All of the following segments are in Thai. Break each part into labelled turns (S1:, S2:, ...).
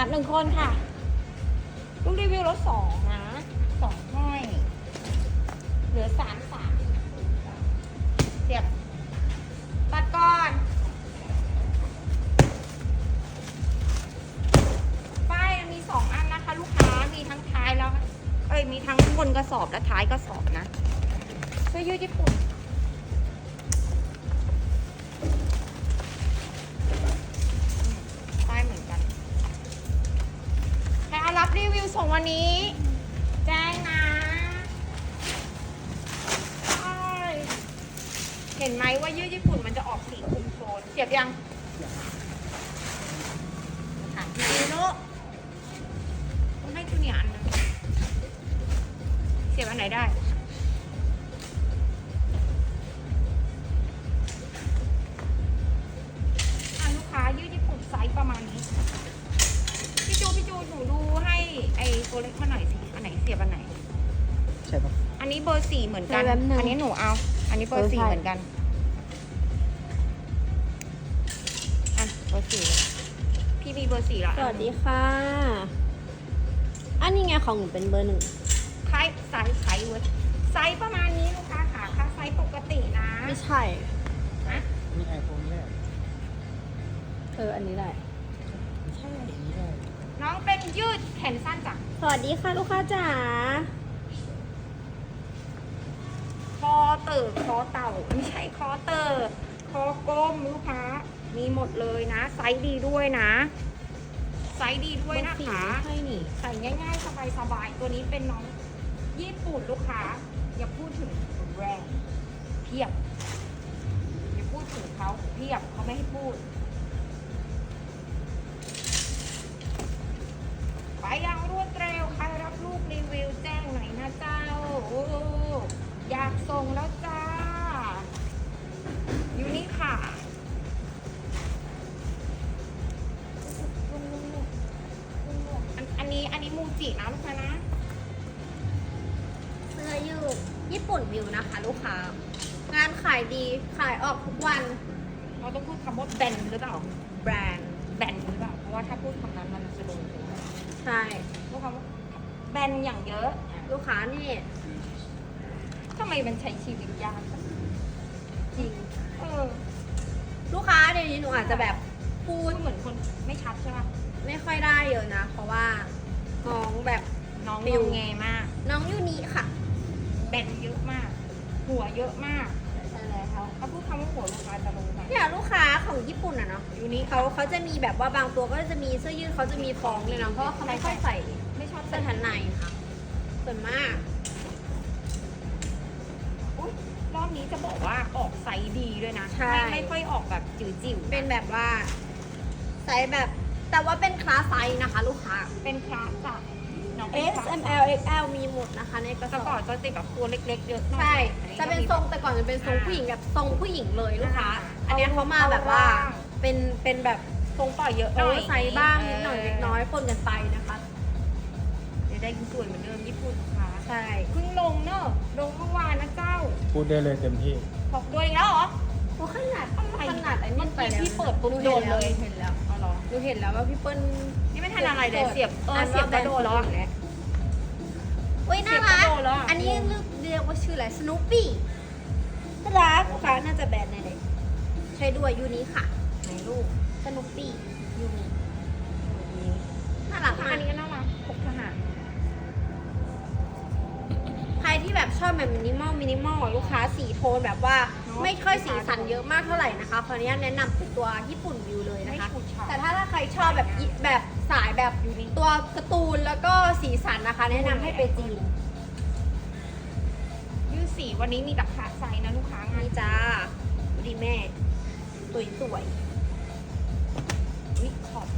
S1: ตัด1 คนค่ะลูกรีวิวรถ2นะ2ห้อยเหลือ3เสียบตัดก่อนป้ายมี2 อันนะคะลูกค้ามีทั้งท้ายแล้วมีทั้งบนกระสอบและท้ายกระสอบนะเสื้อยืดญี่ปุ่นป้ายเหมือนกันใครเอารับรีวิวส่งวันนี้แจ้งนะเห็นไหมว่ายืดญี่ปุ่นมันจะออกสีคุมโทนเสียบยังถามพี่โน่ต้องให้จูเนียร์อันนึงเสียบอันไหนได้ลูกค้ายืดญี่ปุ่นไซส์ประมาณนี้พี่จูหนูดูให้ไอตัวเล็กมาหน่อยสิอันไหนเสียบอันไหน
S2: ใช่ปะ
S1: อันนี้เบอร์4เหมือนกันอันนี้หนูเอาอันนี้เบอร์4เหมือนกันเบอร์4พี่มีเบอร์4แล้ว
S3: สวัสดีค่ะอันนี้ไงของหนูเป็นเบอร์1
S1: ไซส์เว้ยไซส์ประมาณนี้ลูกค้าค่ะค่าไซส์ปกตินะ
S3: ไม่ใช่
S1: นะ
S2: นี่ไอโฟนแรก
S3: อันนี้ได้
S2: ไม่ใช่อันนี้ได้
S1: น้องเป็นยืดแขนสั้นจ้ะ
S3: สวัสดีค่ะลูกค้าจ๋า
S1: คอเต่าไม่ใช่คอเตอร์คอกลมลูกค้ามีหมดเลยนะไซส์ดีด้วยนะไซส์ดีด้วยนะคะ
S3: ใช่นี่
S1: ใส่ง่ายๆสบายๆตัวนี้เป็นน้องญี่ปุ่นลูกค้าอย่าพูดถึงแบรนด์เพียบอย่าพูดถึงเขาเพียบเขาไม่ให้พูดไปยังรวดเร็วใครรับลูกรีวิวแจ้งหน่อยนะเจ้าอยากส่งแล้วจ้าอยู่นี่ค่ะอันนี้มูจินะลูกค้านะ
S3: เสื้อยืดญี่ปุ่นวิวนะคะลูกค้างานขายดีขายออกทุกวัน
S1: เราต้องพูดคำว่าแบนหรือเปล่า
S3: แบรนด์
S1: แบนหรือเปล่าเพราะว่าถ้าพูดคำนั้นมันจะโดน
S3: ใช่
S1: พูดคำว่าแบนอย่างเยอะ
S3: ลูกค้านี่
S1: ทำไมมันใช้ชีวิตยาก
S3: จริงลูกค้าเดี๋ยวนี้หนูอาจจะแบบพูด
S1: เหมือนคนไม่ชัดใช่ป่ะ
S3: ไม่ค่อยได้เยอะนะเพราะว่าน้องแบบ
S1: น้องงงแงมาก
S3: น้องยูนิค่ะ
S1: แบนเยอะมากหัวเยอะมาก
S3: ใช่แล้ว
S1: เขาพูดคำว่าหัวลูกค้าจะรู้ไหม
S3: เนี่ยลูกค้าของญี่ปุ่นอะเนาะยูนิเขาจะมีแบบว่าบางตัวก็จะมีเสื้อยืดเขาจะมีฟองเลยนะเพราะว่าเขาไม่ค่อยใส่
S1: ไม่ชอบ
S3: เสื้อชั้นในค่ะส่วนมาก
S1: รอบนี้จะบอกว่าออกไซส์ดีด้วยนะไม่ค่อยออกแบบจิ๋วๆ
S3: เป็นแบบว่าไซส์แบบแต่ว่าเป็นคลาสไซส์นะคะลูกค้า
S1: เป็นคลาสจ้ะ
S3: S M L X L มีหมดนะคะในกระสอบ
S1: ก่อนจะติดแบบตัวเล็กๆเยอะ
S3: ใช่จะเป็นทรงแต่ก่อนจะเป็นทรงผู้หญิงแบบทรงผู้หญิงเลยลูกค้าอันนี้เขามาแบบว่าเป็นแบบ
S1: ทรงต่อเยอะ
S3: หน่อยไซส์บ้างนิดหน่อยเล็กน้อยปนกันไปนะคะ
S1: เดี๋ยวได้สวยเหมือนเดิมญี่ปุ่นค่ะ
S3: ใช่
S1: เพิ่งลงเนอะลงเมื่อวานนะเจ้า
S2: พูดได้เลยเต็มที่
S1: บอกด้วยแล้วเหรอ
S3: ขนาดไอ้นี่ไป
S1: แล้วพี่เปิดปุ๊บโดนเลย
S3: เห็นแล้วอ๋อเหรอดูเห็นแล้วว่าพี่เปิ้ล
S1: นี่ไม่ทันอะไรเลยเสียบกระโดดแล้ว
S3: อุ้ยน่ารักอันนี้เรียกว่าชื่ออะไรสนุปปี้น่ารักลูกค้าน่าจะแบรนด์ไหนเลยใช้ด้วยยูนี้ค่ะ
S1: ไหนลูก
S3: สนุปปี้ยูนี้น่ารัก
S1: อันนี้ก็น่ารักพกทหาร
S3: ใครที่แบบชอบแบบมินิมอลลูกค้าสีโทนแบบว่าไม่ค่อยสีสันเยอะมากเท่าไหร่นะคะขออนุญาตแนะนำเป็นตัวญี่ปุ่นวิวเลยนะคะแต่ถ้าใครชอบแบบสายแบบตัวการ์ตูนแล้วก็สีสันนะคะแนะนำให้ไปจีน
S1: ยืดสีวันนี้มีแต่ขาไซนะลูกค้างาน
S3: จ้าดูดิแม่สวย
S1: วิขอบ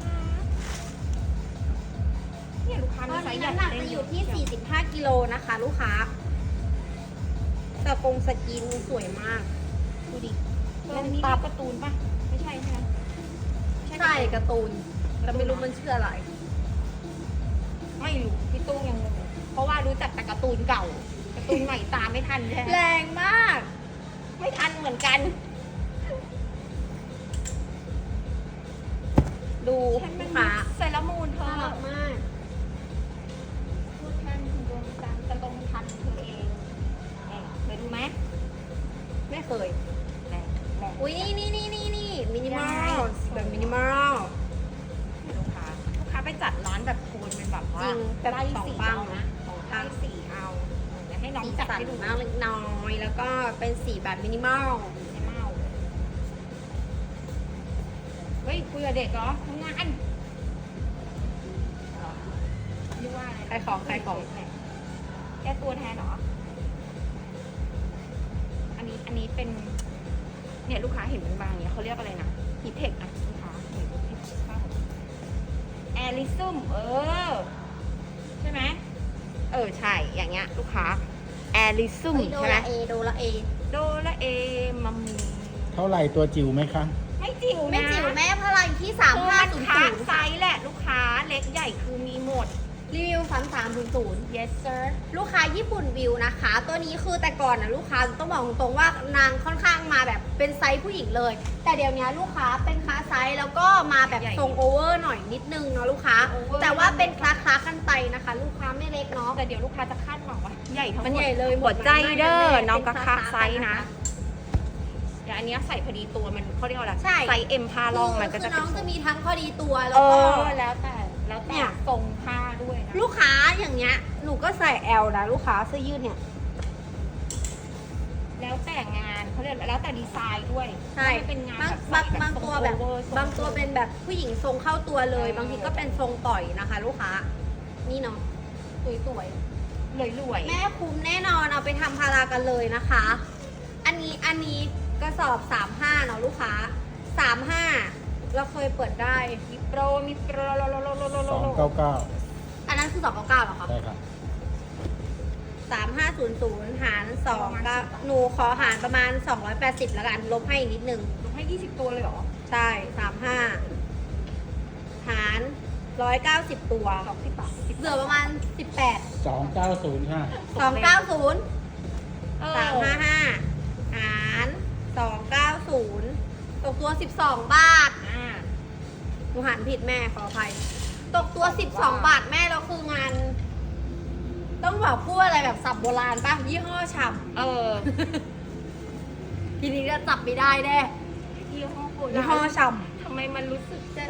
S1: เนี่ยลูกค้ามีไซส์ใหญ่
S3: น้ำหนักจะอยู่ที่45กิโลนะคะลูกค้าสกินสวยมากดูดิ
S1: ตัวนี้การ์ตูนป่ะไม่ใช่ใช่ไหม
S3: ใช่การ์ตูนแต่ไม่รู้มันชื่ออะไร
S1: ไม่รู้พี่ตุ้งยังงงเพราะว่ารู้จักแต่การ์ตูนเก่าการ์ตูนใหม่ตามไม่ทันใช่ไหม
S3: แรงมาก
S1: ไม่ทันเหมือนกันดู
S3: ลูกค้า
S1: ใส่แล้วละมูลเธอ
S3: น่ารักมาก
S1: พูดแทนคุณดวงจันทร์จะลงทันเธอเองเคยดูไหม
S3: ไม่เคย
S1: แหละแหละ
S3: อุ้ยนี่มินิมอลแบบมินิมอล
S1: ลูกค้าไปจัดร้านแบบโทนเป็นแบบว่า
S3: จริงแบบ
S1: ไล่
S3: สอง
S1: สี
S3: บ้าง
S1: เอา
S3: นะ
S1: นะ
S3: สอง
S1: ไล่
S3: ข้าง
S1: สีเอาเดี๋ยวให้น้อง
S3: สี
S1: จัด
S3: สัน
S1: ให้ดู
S3: มากเล็กน้อยแล้วก็เป็นสีแบบมินิมอล
S1: ไม่เมาเฮ้ยคุยกับเด็กเหรอทำงานเรียกว่าอะไร
S3: ใครของ
S1: แกตัวแทนเหรอ อันนี้เป็น เนี่ยลูกค้าเห็นเป็นบางเนี่ยเขาเรียกอะไรนะฮีเทคอะลูกค้าเห็นแอริซึมใช่ไหมใช่อย่างเงี้ยลูกค้าแอริซึม
S3: โด
S1: ใช่ไหม
S3: ละเอโดละเอ
S1: โดละเอมัมมี
S2: เท่าไหร่ตัวจิ๋วไหมคะ
S1: ไม่จิ๋วนะ
S3: ไม่จิ๋วแม่พลังที่
S1: คือมันค้าไซ
S3: 3500
S1: ส์แหละลูกค้าเล็กใหญ่คือมีหมด
S3: รีวิว3300
S1: yes sir
S3: ลูกค้าญี่ปุ่นวิวนะคะ ตัวนี้คือแต่ก่อนนะลูกค้าต้องบอกตรงๆว่านางค่อนข้างมาแบบเป็นไซส์ผู้หญิงเลย แต่เดี๋ยวนี้ลูกค้าเป็นคลาสไซส์แล้วก็มาแบบทรงโอเวอร์หน่อยนิดนึงเนาะลูกค้า แต่ว่าเป็นคลากันไปนะคะ ลูกค้าไม่เล็กเนาะ
S1: แต่เดี๋ยวลูกค้าจะคาดหวังว่าใหญ่ทั้งหมด
S3: มันใหญ่เลย
S1: หัวใจเด้อ
S3: หมด
S1: น้องก็
S3: เป็น
S1: ค้า
S3: คลาส
S1: ไซส์นะเดี๋ยวอันเนี้ยใส่พอดีตัวมันเขาเรียกว่าอะไร
S3: ใช่
S1: ไซส์เอ็มผ้าลองมันก็จะ
S3: คือน้องจะมีทั้งพอดีตัวแล้
S1: เอ
S3: วก็
S1: อแล้วแต่ทรงผ้าด้วยนะ
S3: ลูกค้าอย่างเงี้ยหนูก็ใส่ L นะลูกค้าเสื้อยืดเนี่ย
S1: แล้วแต่งานเขาเรียกแล้วแต่ดีไซน์ด้วย
S3: ใช่
S1: ถ้าเป็นงาน
S3: บางตัวแบบ
S1: ทรง over ทรง
S3: บางตัวเป็นแบบผู้หญิงทรงเข้าตัวเลย บางทีก็เป็นทรงปล่อยนะคะ ลูกค้า นี่เนาะสวยๆ
S1: รวยๆ
S3: แม่คุ้มแน่นอนเอาไปทำพารากันเลยนะคะ อันนี้กระสอบ 35เนาะลูกค้า 35 เราเคยเปิดได้
S1: มีโปร
S2: 299
S3: อันนั้นคือ299เหรอคะ
S2: ได้ครับ
S3: 3500 หาร2ก็หนูขอหารประมาณ 280แล้วกัน ลบให้อีกนิดนึง
S1: ลดให้20ตัวเลยเหรอ
S3: ใช่ 35 หาร 190 ตัว
S1: 20 บาท
S3: เหลือประมาณ 18
S2: 290 ค่ะ
S3: 290
S1: เออ
S3: 355 หาร 290 ตกตัว 12 บาท หนูหันผิดแม่ขออภัย ตกตัว 12 บาทแม่แล้วคืองาน ต้องบอกพูดอะไรแบบสับโบราณป่ะ ยี่ห้อฉ่
S1: เออ
S3: ำทีนี้จะจับไม่ได้แน่
S1: ยี่ห้อโบ
S3: ยี่
S1: รา
S3: ห้อ
S1: ณ
S3: ฉ่
S1: ทำไมมันรู้สึกจะ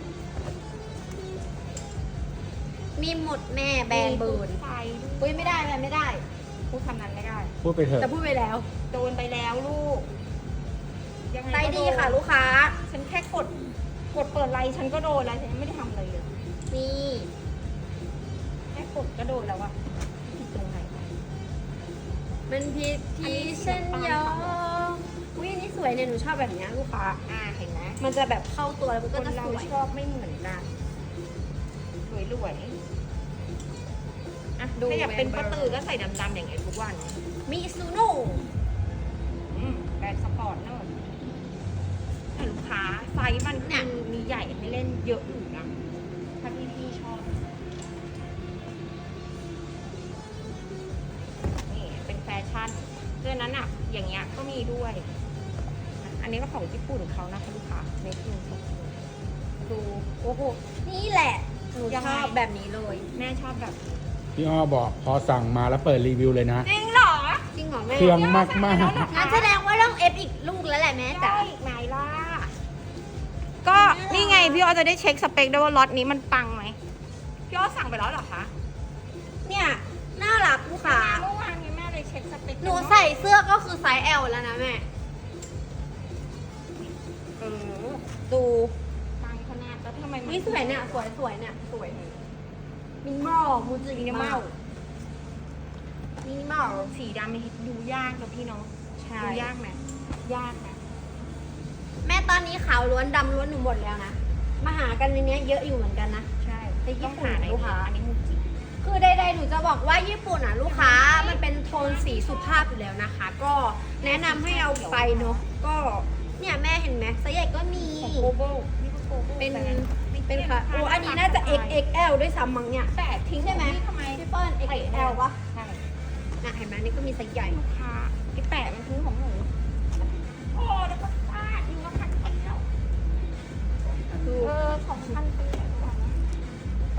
S3: ำมีหมดแม่แบรนด์เบิร์น
S1: ไฟ
S3: อุ้ยไม่ได้แม่ไม่ได้
S1: พูดคำนั้นไม่ได้
S2: พูดไปเถอะ
S3: จะพูดไปแล้ว
S1: โดนไปแล้วลูก ยังไง
S3: ไซ
S1: ก็
S3: ส์
S1: โน
S3: ดีค่ะลูกค้า
S1: ฉันแค่กดเปิดไลน์ฉันก็โดนแล้วฉันไม่ได้ทำอะไรเลย
S3: นี่
S1: แค่กดก็โดนแล้วอะผิดตรงไหนวะ
S3: มันผิดที่ฉันยอมอุ้ยอันนี้สวยเนี่ยหนูชอบแบบเนี้ยลูกค้า
S1: เห็นไหม
S3: มันจะแบบเข้าตัวแล้วมัน
S1: ค
S3: ก็
S1: น
S3: จะ
S1: เรา
S3: สวย
S1: ชอบไม่เหมือนกันรวยอ่ะ
S3: ดู
S1: ถ้าอยากเป็น
S3: แบร
S1: ป้าน
S3: ด์
S1: ตือก็ใส่ดำๆอย่างเงี้ยทุกวัน
S3: มิซูโน่
S1: แบรนด์สปอร์ตเนอะแต่ลูกค้าไซส์มันเนี่ยมีใหญ่ให้เล่นเยอะอยู่นะถ้าพี่ชอบนี่เป็นแฟชั่นเรื่องนั้นอ่ะ อย่างเงี้ยก็มีด้วยอันนี้ก็ของญี่ปุ่นเขานะคะลูกค้าเมคิงดู
S3: โอ้โห นี่แหละ หนู
S1: ยัง
S3: ช
S1: ไง
S3: อบแบบนี้เลย
S1: แม่ชอบแบบ
S2: พี่อ้อบอกพอสั่งมาแล้วเปิดรีวิวเลยนะ
S1: จริงเหรอ
S3: จริงเหรอแม่
S2: เครื่องมาก
S3: งั้นแสดงว่าต้องเอฟอีกลูกแล้วแหละแม่จ๋า
S1: ได้อีกไหนล่ะก็นี่ไงพี่อ้อจะได้เช็คสเปคด้วยว่าล็อตนี้มันปังไหมพี่อ้อสั่งไปแล้วเหรอคะ
S3: เนี่ย น่ารักลูกค้า
S1: เมื่อวานนี้แม่เลยเช็คสเปค
S3: หนูใส่เสื้อก็คือไซส์ L แล้วนะแม่ ดู
S1: ปังขนาดแล้วทำไมมัน
S3: นี่สวยเนี่ยสวยเนี่ยสวยมินิมอลมูจิ
S1: มินิมอล
S3: มินิมอล
S1: สีดำดูยากนะพี่เนาะ
S3: ใช่
S1: ดูยากไหมยากนะ
S3: แม่ตอนนี้ขาวล้วนดำล้วนหนูหมดแล้วนะ มาหากันในเนี้ยเยอะอยู่เหมือนกันนะ
S1: ใช่
S3: แต่ญี่
S1: ต้อง
S3: ปุ่น
S1: หาใน
S3: ลูกค้า
S1: อันนี้มูจิ
S3: คือใดๆหนูจะบอกว่าญี่ปุ่นอ่ะลูกค้ามันเป็นโทนสีสุภาพอยู่แล้วนะคะ ก็แนะนำให้เอาไปเนาะก็เนี่ยแม่เห็นไหมไซส์ใหญ่ก็มี
S1: ของโกโบนี่ก็โกโบ
S3: เป็น
S1: แต่ไม่
S3: เป็นค่ะโอ้อันนี้น่าจะ XXL ด้วยซ้ำมั้งเนี่ย
S1: แต่ทิ้ง
S3: ใช่ไหม
S1: ทำไม
S3: พี่เปิ้ล XXL ปะ
S1: ใช่
S3: น่ะเห็นไหมนี่ก็มีไซส์ใหญ่
S1: ลูกค้าไอ้แปะมันทิ้งของหนูโอ้แล้วก็ฟาดยิงก็พันไปแล้ว
S3: ดู
S1: 2,000ปีแล้วนะ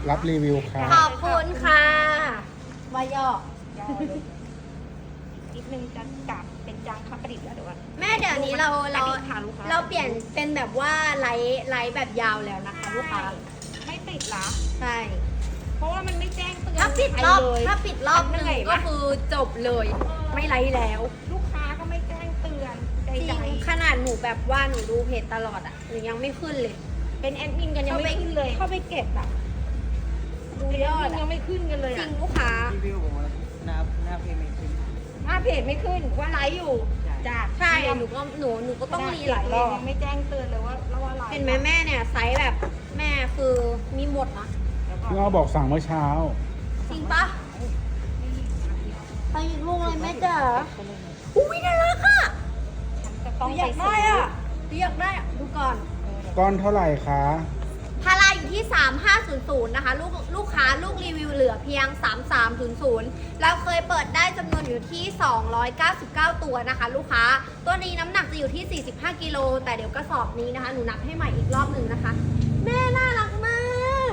S2: รับรีวิวค่ะ
S3: ขอบคุณค่ะวายอ
S1: ยาวเลยนิดนึงจะกลับเป็นจางคาประดิษฐ์แล้วเดี๋ยวก่อน
S3: แม่เดี๋ยวนี้เรา
S1: ค่ะลูกค้า
S3: เราเปลี่ยนเป็นแบบว่าไลฟ์แบบยาวแล้วนะคะลูกค้า
S1: ไม่ติดละ
S3: ใช่
S1: เพราะว่ามันไม่แจ้งเตือน
S3: ถ้าปิดรอบ
S1: เลย
S3: ถ้าปิดรอบหนึ่ง
S1: เหนื่อย
S3: ก็
S1: ปะ
S3: คือจบเลย ไม่ไลฟ์แล้ว
S1: ลูกค้าก็ไม่แจ้งเตือนใ
S3: จริ
S1: ด
S3: งขนาดหนูแบบว่าหนูดูเพจตลอดอ่ะหนูยังไม่ขึ้นเลย
S1: ๆเป็นแอดมินกันยังไม่ขึ้นเลย
S3: เข้าไปเก็บอ่ะดู
S1: เป็นแอย
S3: อ
S1: ด
S3: ด
S1: มิน
S3: อะ
S1: ยังไม่ขึ้นกันเลย
S3: จริ
S1: อะ
S3: งลูกค้า
S4: รีวิวผมว่าหน้าเพจไม่ขึ้น
S1: หน้าเพจไม่ขึ้นว่าไลฟ์อยู่จ้ะ
S3: ใช่หนูก็ต้องรีหลายรอบ
S1: ยังไม่แจ้งเตือนเลยว่าไลฟ์
S3: เห็นไหมแม่เนี่ยไซส์แบบแม่คือมีหมดนะ
S1: แล้วก็
S2: พี่อ้อบอกสั่งเมื่อเช้า
S3: จริงปะไปอีกลูกเลยแม่จ๋าอุ้ยน่ารักอ่ะ
S1: ฉันจะ
S3: ห
S1: ต้อ
S3: นู
S1: ง
S3: อยา
S1: ไป
S3: ก
S1: ซื้
S3: ได้
S1: อ
S3: อ่ะหนูอยากได้อะดูก่อน
S2: ก้อนเท่าไหร่คะ
S3: พาราอยู่ที่ 3500 นะคะ ลูกค้าลูกรีวิวเหลือเพียง 3300เราเคยเปิดได้จำนวนอยู่ที่ 299 ตัวนะคะ ลูกค้า ตัวนี้น้ำหนักจะอยู่ที่ 45 กิโล แต่เดี๋ยวกระสอบนี้นะคะ หนูนับให้ใหม่อีกรอบหนึ่งนะคะ แม่น่ารักมาก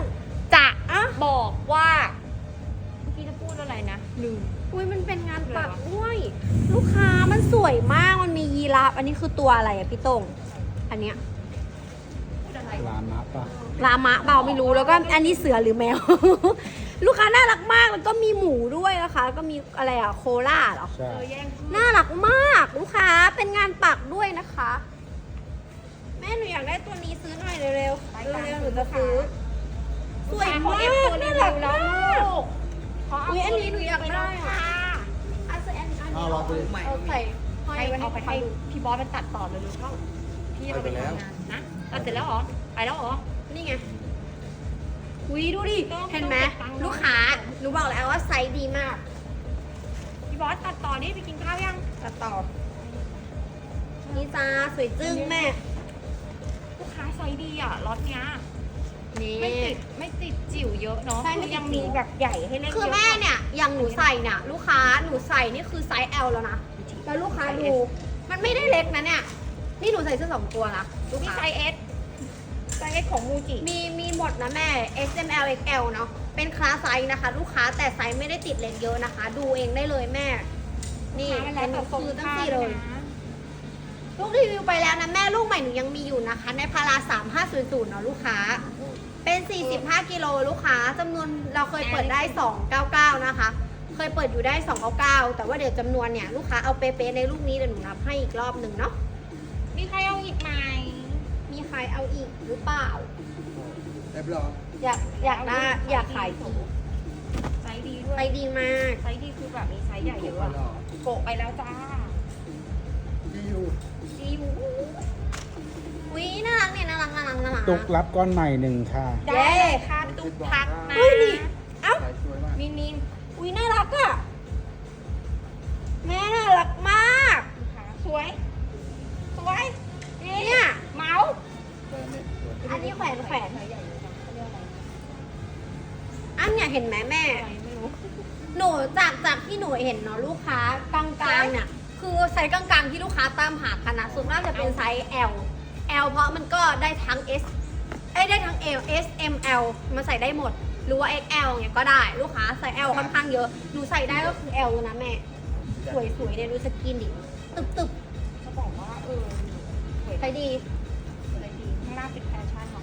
S1: จะ
S3: อ่ะ
S1: บอกว่าเมื่อกี้จะพูดอะไรนะลืม
S3: อุ้ยมันเป็นงานปักด้วย ลูกค้ามันสวยมาก มันมียีราฟอันนี้คือตัวอะไรอะพี่ตงอันเนี้ย
S2: ร้านนะป่ะ
S3: ลามะเปล่าไม่รู้แล้วก็อันนี้เสือหรือแมว ลูกค้าน่ารักมากแล้วก็มีหมูด้วยนะคะแล้วก็มีอะไรอะโคล่าเหรอ
S2: ใช่
S1: แย่ง
S3: น่ารักมากลูกค้าเป็นงานปักด้วยนะคะ แม่หนูอยากได้ตัวนี้ซื้อหน่อยเร็วๆเร็วๆหนูจะซื้อสวย
S1: เขา
S3: มาก
S1: เอฟตัวรี
S3: น่า
S1: วิ
S3: รั
S1: ว
S3: ก
S1: แล้ว
S3: มาก
S1: ลูกเขาเอา
S3: อุ๊ยอันนี้หนูอยากได้อะ
S1: ค่ะ
S3: อันนี้
S4: เอาเราไปเลย
S3: เอาใส่ห้อย
S1: ให้
S3: ไว้
S1: เอาไป
S3: ให้
S1: ให้พี่บอสมันตัดต่อเลยลูกเข้าพี่เอาไปทำงานนะตัดเสร็จแล้วเหรอไปแล้วเหรอ
S3: นี่ไงอุ้ยดูดิ
S1: ต้อง
S3: เห็นไหม
S1: ต้องเก็บตังค์
S3: ลูกค้าหนูบอกแล้วว่าไซส์ดีมาก
S1: พี่บอสตัดต่อนี่ไปกินข้าวยัง
S3: ตัดต่อนี่จ้าสวยจึ้งแม่
S1: ลูกค้าไซส์ดีอ่ะล็อตเนี้ย
S3: นี่
S1: ไม่ติดจิ๋วเยอะเนาะ
S3: ใช่ไม่
S1: คือ
S3: ติด
S1: ยังมีแบบใหญ่ให้เล่นเยอะ
S3: คือแม่เนี่ยอย่างหนูใส่เนี่ยลูกค้าหนูใส่นี่คือไซส์ L แล้วนะแล้วลูกค้าดู มันไม่ได้เล็กนะเนี่ยนี่หนูใส่เสื้อ2 ตัวนะลูก
S1: มี
S3: ค้า
S1: ไซส์ S ไซส์ S ของมูจิ
S3: มีหมดนะแม่ S M L X L เนาะเป็นคลาสไซส์นะคะ ลูกค้าแต่ไซส์ไม่ได้ติดเล็กเยอะนะคะ ดูเองได้เลยแม่ นี่
S1: มัน
S3: เป็
S1: แล้ว
S3: น
S1: แต่ทรง
S3: คือตั้ง
S1: ผ้า
S3: สี่เลย
S1: นะ
S3: ลูกรีวิวไปแล้วนะแม่ลูกใหม่หนูยังมีอยู่นะคะ ในพารา3500เนาะลูกค้า เป็น 45 กิโลลูกค้าจำนวนเราเคยเปิดได้ 299 นะคะ เคยเปิดอยู่ได้ 299 แต่ว่าเดี๋ยวจำนวนเนี่ยลูกค้าเอาเป๊ะๆในลูกนี้เดี๋ยวหนูนับให้อีกรอบหนึ่งเนาะ
S1: มีใครเอาอีกไหม
S3: มีใครเอาอีกหรือเปล่า
S4: เรียบร้อย
S3: อยากได้อยากขายอีก
S1: ไซส์ดีด้วย
S3: ไปดีมาก
S1: ไซส์ดีคือแบบมีไซส์ใหญ่เยอะอะโกะไปแล้วจ้า
S4: ที่อยู่
S1: ดีอยู่
S3: อุ้ยน่ารักเนี่ยน่ารัก
S2: ตุกรับก้อนใหม่หนึ่งค่ะ
S1: ได้ค่ะตุ๊กทักนะ
S3: เฮ้ยดิเอ้า
S4: สายสวยมาก
S1: มิน
S3: อุ้ยน่ารักอะแม่น่ารักมาก
S1: ค่ะสวย สวย
S3: เนี่ย
S1: เมาส์
S4: แต่เนี่ยสวย
S3: อันนี้แขวน
S1: ไซส์ใหญ่เลยจ้ะเขาเรียกอะไร
S3: อันเนี่ยเห็นไหมแม่
S1: อะไรไม่รู้
S3: หนูจากที่หนูเห็นเนาะลูกค้ากลางๆเนี่ยคือไซส์กลางๆที่ลูกค้าตามหากันนะส่วนมากจะเป็นไซส์ L L เพราะมันก็ได้ทั้ง S ได้ทั้ง L S M L มันใส่ได้หมด หรือว่า XL เนี่ยก็ได้ลูกค้าใส่ L ค่อนข้างเยอะหนูใส่ได้ก็คือ L นะแม่สวยๆเนี่ยดูสกินดิตึบ
S1: จะบอกว่าสวย
S3: ๆใช้ดี
S1: สวยดีข้างหน้าเป็นแฟชั่นเนาะ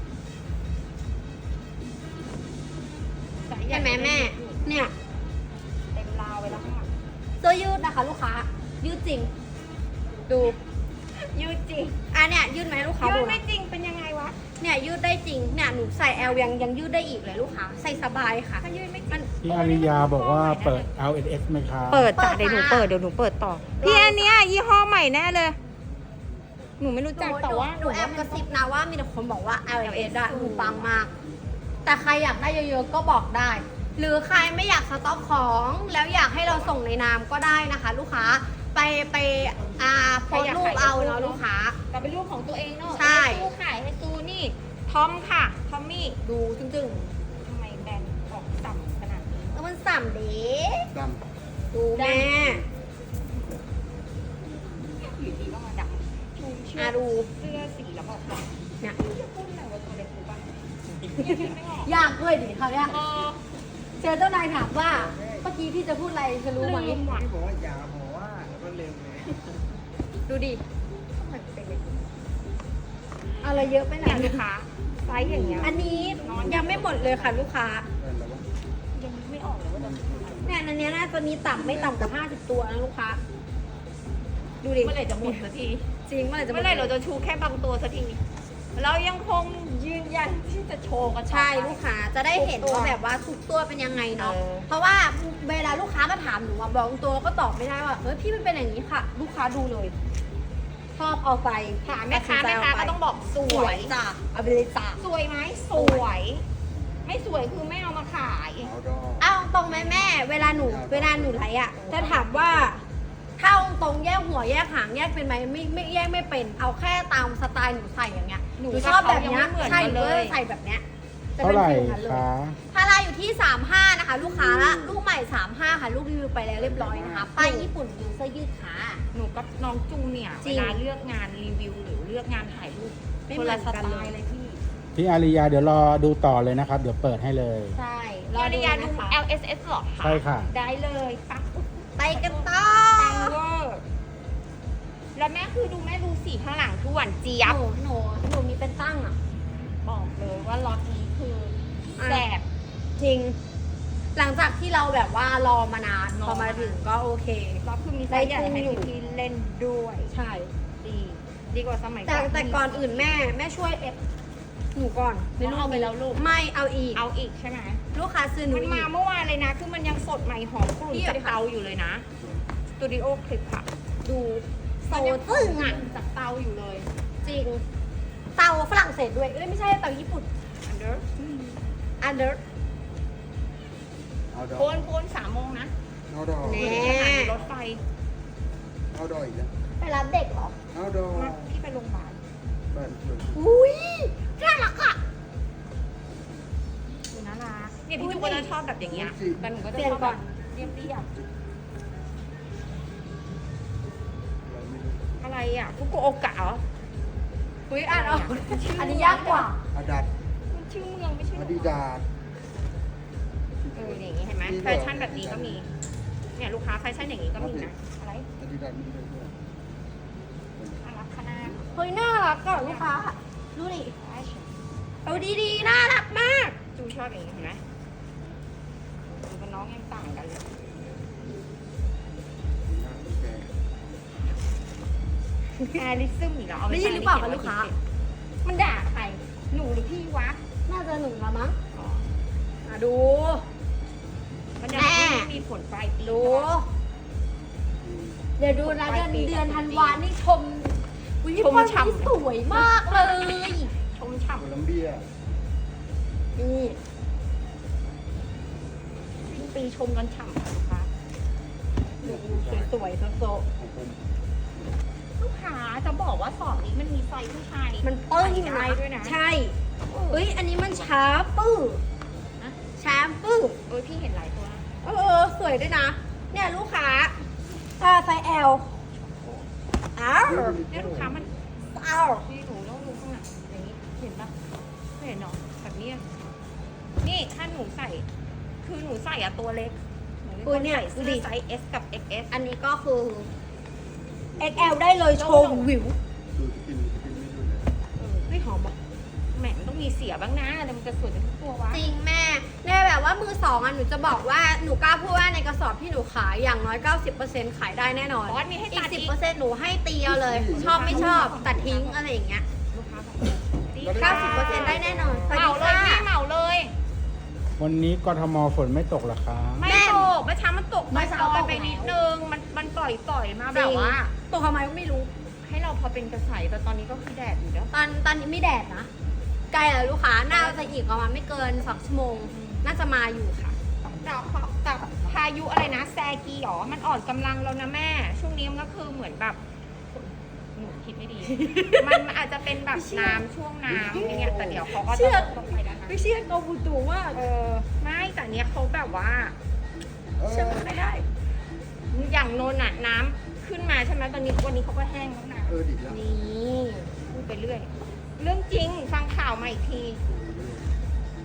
S1: ไซส์ใญ่
S3: เห็นไหมแม่ เนี่ย
S1: เต็มราวไปแล้วค่ะ
S3: เสื้อยืดนะคะ ลูกค้า ยืดจริง ดู
S1: ยืดจริง
S3: อันเนี่ยยืดไหมลูกค้า
S1: ยื
S3: ดู
S1: ด
S3: นะ
S1: ไม่จริงเป็นยังไงวะ
S3: เนี่ยยืดได้จริง เนี่ยหนูใส่ L ยังยืดได้อีกเลยลูกค้า ใส่สบายค่ะ
S1: ถ้ายืดไม่จ
S3: มั
S1: ริ
S3: น
S1: ง
S2: พี่อาริยาบอกว่าเปิด LNS ไหมคะ
S1: เปิดจ้ะ
S3: เปิด
S1: เดี๋ยวหนู
S3: ค่ะ
S1: เปิดเดี๋ยวหนูเปิดต่อ พี่อันเนี้ยยี่ห้อใหม่แน่เลย หนูไม่รู้จักแต่ว่า
S3: หนูแอบกระซิบนะว่ามีแต่คนบอกว่า LS อะหนูปังมาก แต่ใครอยากได้เยอะๆก็บอกได้ หรือใครไม่อยากสต็อกของแล้วอยากให้เราส่งในนามก็ได้นะคะ ลูกค้าไปโพสต์รูปเอาเนาะลูกค้า
S1: แต่เป็นรูปของตัวเองเนาะ
S3: ใช่
S1: ให้ตู้ขายให้ตู้นี่ ทอมค่ะ ทอมมี่
S3: ดูจึ้ง
S1: ทำไมแบรนด์ออกต่ำขนาดนี้
S3: ๆแล้วมันสั่มเด้
S4: ด
S3: ดูแม่
S1: อยู่ดีก็มาดับชูเชือก
S3: ดู
S1: เสื้อสีแล้วบอกว่า
S3: เนี่ย
S1: จะพูดอะไรว่าตัวเล็กรู้ป่ะไม่ออก
S3: ยากด้วยดิคราวเนี้ย
S1: เออ
S3: เจอเจ้านายถามว่าเมื่อกี้พี่จะพูดอะไรจะรู้ไหม
S1: ลืมว่ะ
S4: พี่บอกว่าอย่าบอกว่าแล้วก็ลืมเลย
S3: ดูดิอะไรเยอะไปไหน
S1: เนี่ยลูกค้าไซส์อย่างเงี้ย
S3: อันนี้ยังไม่หมดเลยค่ะลูกค้า
S4: เป็นแล้ววะ
S1: ยังไม่ออกเลยว่าจะ
S3: เนี่ยอันเนี้ยน่าจะมีต่ำไม่ต่ำกว่า50 ตัวนะลูกค้า ดูดิ
S1: เมื่อไหร่จะหมดสักที
S3: จริงเมื่อไหร่จะหม
S1: เมื่
S3: ด
S1: อไหร่เราจะชูแค่บางตัวสักที เรายังคงยืนยันที่จะโชว์กันต่อไป
S3: ใช่ลูกค้าจะได้เห็นว่าแบบว่าทุกตัวเป็นยังไงเนาะ
S1: เออ
S3: เพราะว่าเวลาลูกค้ามาถามหนูอะบอกตัวก็ตอบไม่ได้ว่าเฮ้ยพี่มันเป็นอย่างนี้ค่ะ ลูกค้าดูเลย ชอบเอาไป
S1: ถามแม่ค้า
S3: ตัดสินใจ
S1: แม่ค้า
S3: เไป
S1: ก็ต้องบอกส
S3: ส
S1: ว
S3: วย ยจ้ะเอาไปเลยจ้ะ
S1: สวยไหมสวย ไม่สวยคือไม่เอามาขาย
S4: เอาดอก
S3: เอาตรงไหมแม่ เวลาหนูไลฟ์อะจะถามว่าถ้าเอาตรงแยกหัวแยกหางแยกเป็นไหมไม่แยกไม่เป็น เอาแค่ตามสไตล์หนูใส่อย่างเงี้ยหนูชอบแบบเนี้ยใช่หนูก็จะใส่แบบเนี้ยจะ
S2: เท่า
S3: เป็น
S2: ไหร่
S3: ฟิลนั้นเลย
S2: คะ
S3: พาราอยู่ที่ 35 นะคะ ลูกค้าละลูกใหม่ 35 ค่ะลูกรีวิวไปแล้วเรียบร้อยนะคะป้ายญี่ปุ่นยูเสื้อยืดขา
S1: หนูกับน้องจูเนี่ย
S3: จริ
S1: เว
S3: ง
S1: ลาเลือกงานรีวิวหรือเลือกงานถ่ายรูป
S3: ไม่
S1: คน
S3: เหมื
S1: ละ
S3: อน
S1: ส
S3: กัน
S1: ไต
S3: เลย
S1: ล์เลยพี่
S2: พี่อาริยาเดี๋ยวรอดูต่อเลยนะครับ เดี๋ยวเปิดให้เลย
S3: ใช่
S1: ยาริยาดู
S3: นะคะ
S1: LSS หรอคะ
S2: ใช่ค่ะ
S1: ได้เลยปัก
S3: ไปกันต่อ
S1: ปังเวอร์แล้วแม่คือดูแม่ดูสีข้างหลังคือหวานเจี๊ยบ
S3: หนูมีเป็นตั้งอ่ะ
S1: บอกเลยว่าล็อตนี้คือแสบ
S3: จริง หลังจากที่เราแบบว่ารอมานาน
S1: รอ
S3: พอมาถึงก็โอเค
S1: ล็อตคือมีไซส์ใหญ่ให้พี่เล่นด้วย
S3: ใช่
S1: ดีกว่าสมัย
S3: แต่ก่อนอื่นแม่ช่วยเอฟหนูก่อน
S1: ไม่เอาไปแล้วลูก
S3: ไม่เอาอีก
S1: เอาอีกใช่ไหม
S3: ลูกค้าซื้อหนู
S1: มัน
S3: อี
S1: มาก เมื่อวานเลยนะ คือมันยังสดใหม่หอมกลุ่น
S3: พี่
S1: จาก
S3: เอาดิค่ะ
S1: เตาอยู่เลยนะสตูดิโอคลิปค่ะ
S3: ดูโซตึ้งอ่ะ
S1: จากเตาอยู่เลย
S3: จริง เตาฝรั่งเศสด้วยเอ้ยไม่ใช่เตาญี่ปุ่น
S1: under
S3: อันเดอร์
S4: เอาดอก
S1: โคน3 โมงนะ
S4: เอาดอก
S3: แน่
S1: สถานีรถไฟ
S4: เอาดอกอีกแล้ว
S3: ไปรับเด็กเหรอ
S4: เอาดอก
S1: มาพี่ไปโรงพยาบาล
S4: บ้านสวย
S3: อุ้ยน่ารักอ่ะ
S1: ดูน่ารักเนี่ยพี่จุ๊กก็จะชอบแบบอย่างเงี้ยแต่หนูก็จะ
S3: เปลี่ยน
S1: ชอบ
S3: ก่
S1: แบ
S3: อน
S1: บเรียบ
S4: เราไม่รู้
S1: ๆอะไรอ่ะฟุกุโอกะเหรอ
S3: อุ้ยอ่านออกอันนี้ยากกว่า
S4: อาดัด
S1: มันชื่อเมืองไม่ใช่เหร
S4: อา
S1: อ
S4: ดิดาส
S1: อย่างงี้เห็นไหมแฟชั่นแบบนี้ก็มี เนี่ยลูกค้าแฟชั่นอย่างนี้ก็มีนะ อะไร
S4: อาดิดาสมีด้วย
S1: น่ารักขนาด
S3: เฮ้ยน่ารักก่อนลูกค้าดูดิเอาดีๆน่ารักมาก
S1: จูชอบอย่างนี้เห็นไหมดูกับน้องยังต่างกันเลย
S4: หน้าแก
S1: แอริซึมอีกแล้วเอาป
S3: ได้ยินหรือเปล่าคะลูกค้า
S1: มันด่าใคร หนูหรือพี่วะ
S3: น่าจะหนึ่งละมั้ง
S1: อ๋อ
S3: ดู
S1: มันด่า
S3: แม่
S1: พี่ไม่มีผลปลายปี
S3: ดู เดี๋ยวดูนะเดือนธันวานี่ชมวิชมฉ่ำสวยมากเลย
S1: ชมฉ่
S4: โคลัมเบีย
S3: นี่
S1: ำสิ้นปีชมกันฉ่ำค่ะลูกค้า
S3: สวยๆโซ
S4: ของผม
S1: ลูกค้าจะบอกว่าสอบนี้มันมีไซส์ผู้ชาย
S3: ๆมันปึ้ง
S1: ใส่ได้ด้วยนะ
S3: ใช่เฮ้ยอันนี้มันชาปื้อ
S1: นะ
S3: ชาปื้อ
S1: พี่เห็นหลายตัวนะ
S3: สวยด้วยนะ เนี่ยลูกค้าไซส์ L อ้าว
S1: เนี่ยลูกค้ามัน
S3: อ้าว
S1: นี่หนูต้องดูข้างหลังอย่างนี้เห็นปะไม่เห็นหรอแบบนี้อะนี่ถ้าหนูใส่ คือหนูใส่อะตัวเล็กหนูเป็นคนใส่เสื้อไซส์ S กับ XS
S3: อันนี้ก็คือ XL ได้เลยชมวิว
S4: ดูสกินไม่ดูเลย
S3: ไม่หอมอ่ะ
S1: แหมมันต้องมีเสียบ้างนะแต่มันจะสวยไปทุกตัววะ
S3: จริงแม่เนี่ยแบบว่ามือสองอ่ะหนูจะบอกว่าหนูกล้าพูดว่าในกระสอบที่หนูขายอย่างน้อย 90% ขายได้แน่นอน
S1: บอสมีให้
S3: อี
S1: ตั
S3: ก
S1: ดอีก
S3: 10%หนูให้ตีเอาเลย ชอบไม่ชอบตัดทิ้งอะไรอย่างเงี้ย
S1: ลูกค้าบอก
S3: 90%ได้แน่นอนสวัส
S1: เหมา
S3: ดี
S1: เลย
S3: ค่ะ
S1: พี่เหมาเลย
S2: วันนี้กทมฝนไม่ตกเหรอคะ
S1: ไม่ตกเมื่อเช้ามันตก
S3: เมื่
S1: มา
S3: อเช้า
S1: ซอย
S3: ตก
S1: ไป
S3: แล้ว
S1: นิดนึง มันปล่อยมาแบบว่า
S3: ตัวทำไมก็ไม่รู้
S1: ให้เราพอเป็นกระใสแต่ตอนนี้ก็คือแดดอยู่แล้ว
S3: ตอนนี้ไม่แดดนะใกล้แล้วลูกค้าน่าจะอีกประมาณไม่เกิน2 ชั่วโมง น่าจะมาอยู่ค่ะ
S1: แต่พายุอะไรนะแซกีหรอมันอ่อนกำลังแล้วนะแม่ ช่วงนี้มันก็คือเหมือนแบบหนูคิดไม่ดี มันอาจจะเป็นแบบน้ำช่วงน้ำอย่างเงี้ยแต่เดี๋ยวเขาก็
S3: เชื่
S1: จะ
S3: อ
S1: ลงไปแล้วนะ
S3: ไม่เชื่อโกบูตูมาก
S1: ไม่แต่เนี้ยเขาแบบว่า
S3: เชื่อไม่ได้
S1: อย่างโนนน่ะน้ำขึ้นมาใช่ไหมตอนนี้วันนี้เขาก็แห้งแล้วนะ
S4: ดีแล้ว
S3: นี่
S1: พูดไปเรื่อย เรื่องจริงฟังข่าวมาอีกที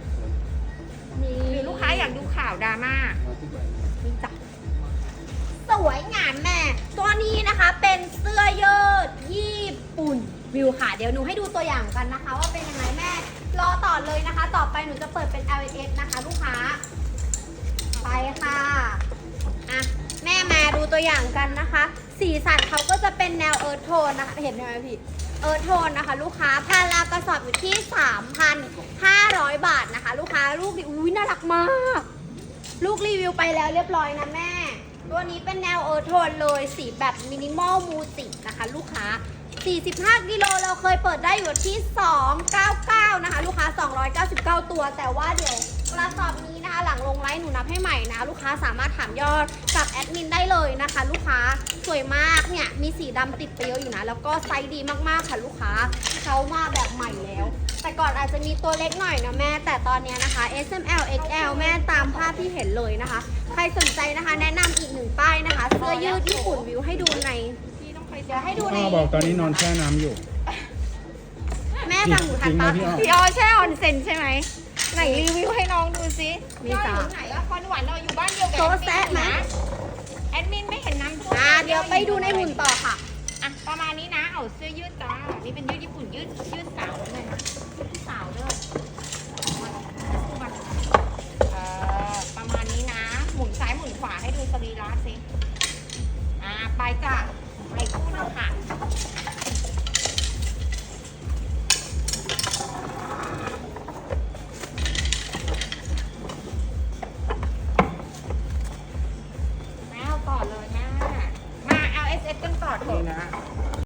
S1: อยากดูข่าวดราม่า
S4: มาที่ไหน
S3: นี่จ้ะสวยงามแม่ ตัวนี้นะคะเป็นเสื้อยืดญี่ปุ่นวิวค่ะ เดี๋ยวหนูให้ดูตัวอย่างกันนะคะ ว่าเป็นยังไงแม่ รอต่อเลยนะคะ ต่อไปหนูจะเปิดเป็น LS นะคะ ลูกค้า ไปค่ะอ่ะ แม่มาดูตัวอย่างกันนะคะ สีสันเขาก็จะเป็นแนวเอิร์ธโทนนะคะ เห็นไหมพี่ เอิร์ธโทนนะคะ ลูกค้าพารากระสอบอยู่ที่ 3,500 บาทนะคะ ลูกค้าลูกดิอุ้ยน่ารักมาก ลูกรีวิวไปแล้วเรียบร้อยนะแม่ ตัวนี้เป็นแนวเอิร์ธโทนเลยสีแบบมินิมอลมูตินะคะ ลูกค้า 45 กิโลเราเคยเปิดได้อยู่ที่ 299 นะคะ ลูกค้า 299 ตัว แต่ว่าเดี๋ยวกระสอบนี้นะคะ หลังลงไลฟ์หนูนับให้ใหม่นะ ลูกค้าสามารถถามยอดกับแอดมินได้เลยนะคะ ลูกค้าสวยมากเนี่ยมีสีดำติดไปเยอะอยู่นะ แล้วก็ไซส์ดีมากๆค่ะลูกค้าเขามาแบบใหม่แล้ว แต่ก่อนอาจจะมีตัวเล็กหน่อยนะแม่ แต่ตอนนี้นะคะ S M L X L แม่ตามภาพที่เห็นเลยนะคะ ใครสนใจนะคะแนะนำอีกหนึ่งป้ายนะคะ เสื้อยืดญี่ปุ่นวิวให้ดูใน
S1: พี่ต้องไป
S3: เดี๋ยวให้ดูใน
S2: พ่อบอกตอนนี้นอนแช่น้ำอยู่
S3: แม่ฟังหนูทันปะ
S2: จริงไหมพี่อ้อ
S1: พี่ออแช่ออนเซ็นใช่ไหมไหนรีวิวให้น้องดูซิ
S3: มี
S1: พี่ออ
S3: จ้ะ
S1: อยู่ไหนอะคอนหวานเราอยู่บ้านเดียวกับ
S3: โต๊ะแซะไหม
S1: แอดมินไม่เห็นน้ำท่วม
S3: เดี๋ยวไปดูในหุ่นต่อค่ะ
S1: อ่ะประมาณนี้นะเอาเสื้อยืดจ้านี่เป็นยืดญี่ปุ่นยืดสาวเลยนะสาวเลยประมาณนี้นะ หมุนซ้ายหมุนขวาให้ดูสรีระสิไปจ้ะไปคู่หนึงค่ะ